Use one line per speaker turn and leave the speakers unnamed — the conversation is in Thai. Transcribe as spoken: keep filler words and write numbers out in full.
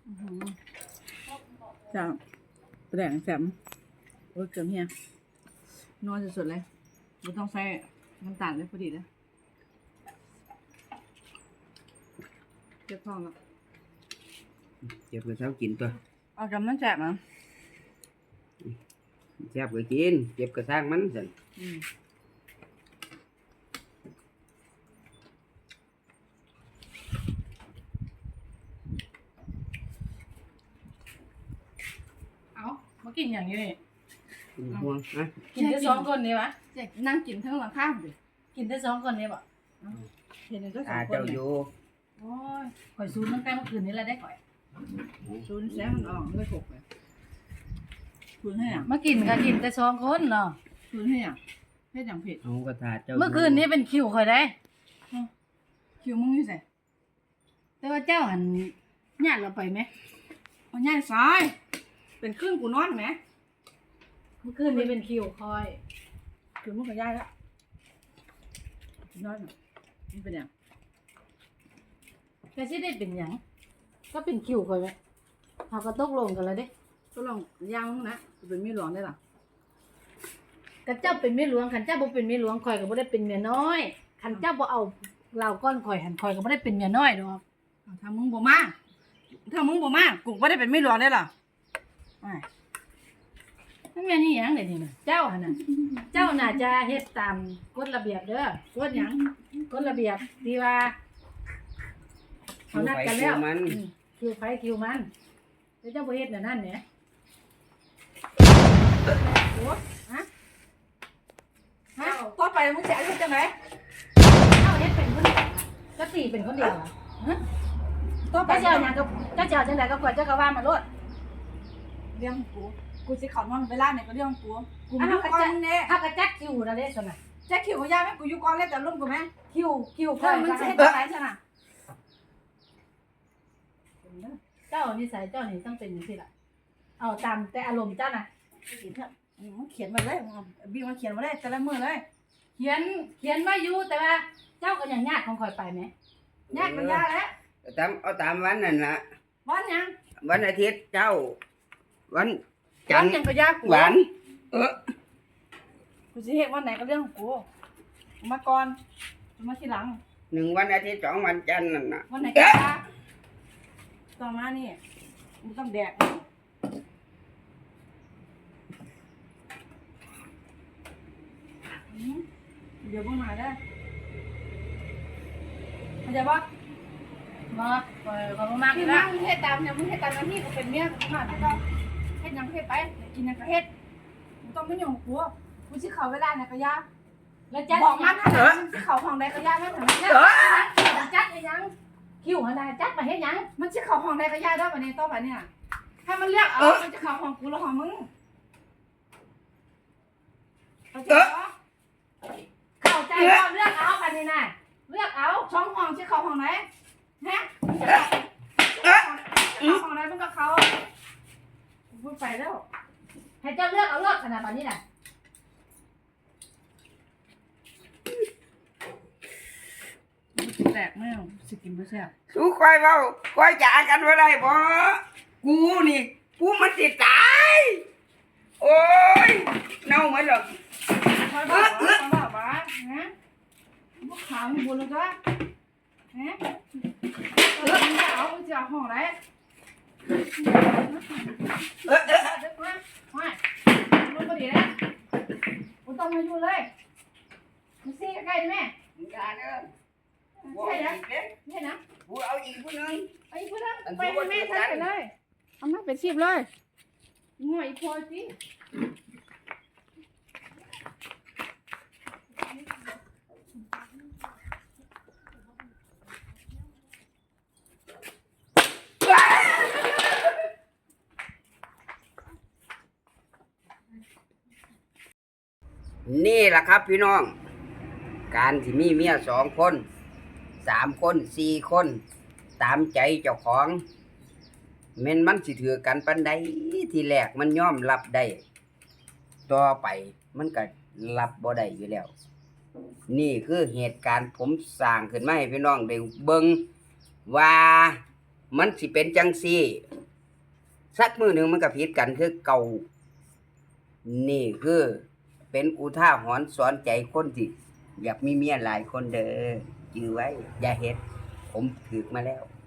จ้าแดงแสมโอ้ยเกลือเฮียนอนสุดๆเลยไม่ต้องใส่น้ำตาลเลยพอดีเลยเจ็บท้องแล้ว
เจ็บก็เช้ากินตัว
เอาจำนั้นแสบมั้ง
แซ่บก็กินเจ็บก็สร้างมันสิ
เอามากินอย่างนี้เลย
ห่วงนะ
กินได้สองคนนี่วะจะนั่งกินทั้งหลังข้ามเลยกินได้สองคนนี่บ่เห็นได้สองคน
เจ้าอยู่
โอ้ยข่อยซูนตั้งแต่เมื่อคืนนี้แล้วได้ข่อยซูนแซมมันออกเลยหกเลยซูนให้อ่ะมากินก็กินแต่สองคนเนาะซูนให้อ่ะเฮ็ดอย่างผิด
เอากระถาเจ้า
เมื่อคืนนี้เป็นคิวข่อยได้คิวมึงอยู่ไสแต่ว่าเจ้าหันญาติเราไปไหมเอาญาติซ้ายเป็นครึ่งกูนอนไหมเมื่อคืนนี้เป็นคิวคอยคือมึงกับญาติแล้วนอนมันเป็นอย่างแค่ที่ได้เป็นอย่างก็เป็นคิวคอยไหมเขาก็ตกลงกันแล้วเด้ตกลงย่างมึงนะเป็นมีหลวงได้หรอขันเจ้าเป็นเมียหลวงขันเจ้าบ่เป็นเมียหลวงคอยก็บ่ได้เป็นเมียน้อยขันเจ้าบ่เอาเราก้อนคอยหันคอยก็บ่ได้เป็นเมียน้อยดอกถ้ามึงบ่มาถ้ามึงบ่มากูบ่ได้เป็นเมียหลวงได้หรออ่านั่นแม่นี่หยังเด้นี่น่ะเจ้าหั่นน่ะเจ้าน่าจะเฮ็ดตามกฎระเบียบเด้อกฎหยังกฎระเบียบที่ว่าเขานัดกันแล้วคิวไฟคิวมันแล้วเจ้าบ่เฮ็ดน่ะนั่นแหละโอ้ฮะฮะต่อไปมึงจะเฮ็ดจังได๋เจ้าเฮ็ดเป็นคนเดียวก็ตีเป็นคนเดียวเหรอฮะต่อไปเจ้าหยังก็เจ้าเจ้าจังได๋ก็กว่าเจ้าก็ว่ามาโลดเรื่องกูกูสิเข้านอนเวลาไหนก็เรื่องกูกูอยู่ก่อนแน่ถ้ากระจักคิวนะเด้ซั่นน่ะจักคิวก็ยาแม่กูอยู่ก่อนแล้วแต่ลุ่มกูแม่คิวคิวเพิ่นมันสิเฮ็ดจังได๋ซั่นน่ะเจ้านิสัยเจ้านี่ต้องเป็นจังซี่ล่ะเอาตามแต่อารมณ์เจ้าน่ะมันเขียนมาเลยบีมาเขียนมาเลยแต่ละมื้อเลยเขียนเขียนมาอยู่แต่ว่าเจ้าก็ยังญาติของข่อยไปแหมญาติมันยาแล้ว
ตามเอาตามวันนั่นล่ะ
วันหยัง
วันอาทิตย์เจ้าวัน
จันทร์ยังก็ยากกู
วันเออ
กูสิเฮ็ดวันไหนก็เรื่องของกูมาก่อนมาทีหลัง
หนึ่งวันอาทิตย์สองวันจันทร์นั่นน่ะ
วันไหนก็ยากต่อมานี่มึงต้องแดกเดี๋ยวมึงมาได้เข้าใจปะมาปล่อยเขามากเลยนะมึงเฮ็ดตามเนี่ยมึงเฮ็ดตามหน้าที่กูเป็นเมียกูมาไม่ต้องเฮ็ดยังเฮ็ดไปกินยังก็เฮ็ดมึงต้องไม่หยุ่งกูกูสิเข้าเวลาเนี่ยก็ยากแล้วจัดบอกมันนะสิเข้าห้องใดก็ยากนั่นน่ะเนี่ยจัดยังคิวหันใดจัดมาเฮ็ดยังมันสิเข้าห้องใดก็ยากได้บัดนี้ต่อไปเนี่ยให้มันเลือกเอามันจะเข้าห้องกูหรือห้องมึงเข้าใจปะเข้าใจว่าเลือกเอาบัดนี้น่ะเลือกเอาช่องห้องสิเข้าห้องไหนฮะเข้าห้องไหนมึงก็เข้าพูดไปแล้วให้เจ้าเลือกเอาเลือกขนาดนี้น่ะแตกแม่สกินไม่แซ่บ
สู้คอยเบาคอยจ่ากันไว้ได้บ่กูนี่กูมันติดตายโอ้ยเน่าเหมือนหรอก
คอยบ้าบ้าบ้าบ้าฮะพวกขาวมึงบุญเลยก็ฮะเออมึงจะเอามึงจะเอาห้องไหนเออเออเด็กมาไม่มึงก็ดีแล้วมึงต้องมาอยู่เลยมึงซีใกล้ๆดิแม่
มึงการเด้อ
ใช่นะใช่นะ
กูเอาอีกผู้นึง
ไอ้ผู้นึงไปให้แม่ทักไปเลยเอามาเป็นชีพเลยง่อยพอสิ
นี่แหละครับพี่น้องการที่มีเมียสองคนสามคนสี่คนตามใจเจ้าของแม่นมันสิถือกันปานใดที่แรกมันยอมรับได้ต่อไปมันก็รับบ่ได้อยู่แล้วนี่คือเหตุการณ์ผมสร้างขึ้นมาให้พี่น้องได้เบิ่งว่ามันสิเป็นจังซี่สักมือหนึ่งมันก็ผิดกันคือเก่านี่คือเป็นอุทาหรณ์สอนใจคนที่อยากมีเมียหลายคนเด้อจือไว้ อย่าเฮ็ดผมถึกมาแล้ว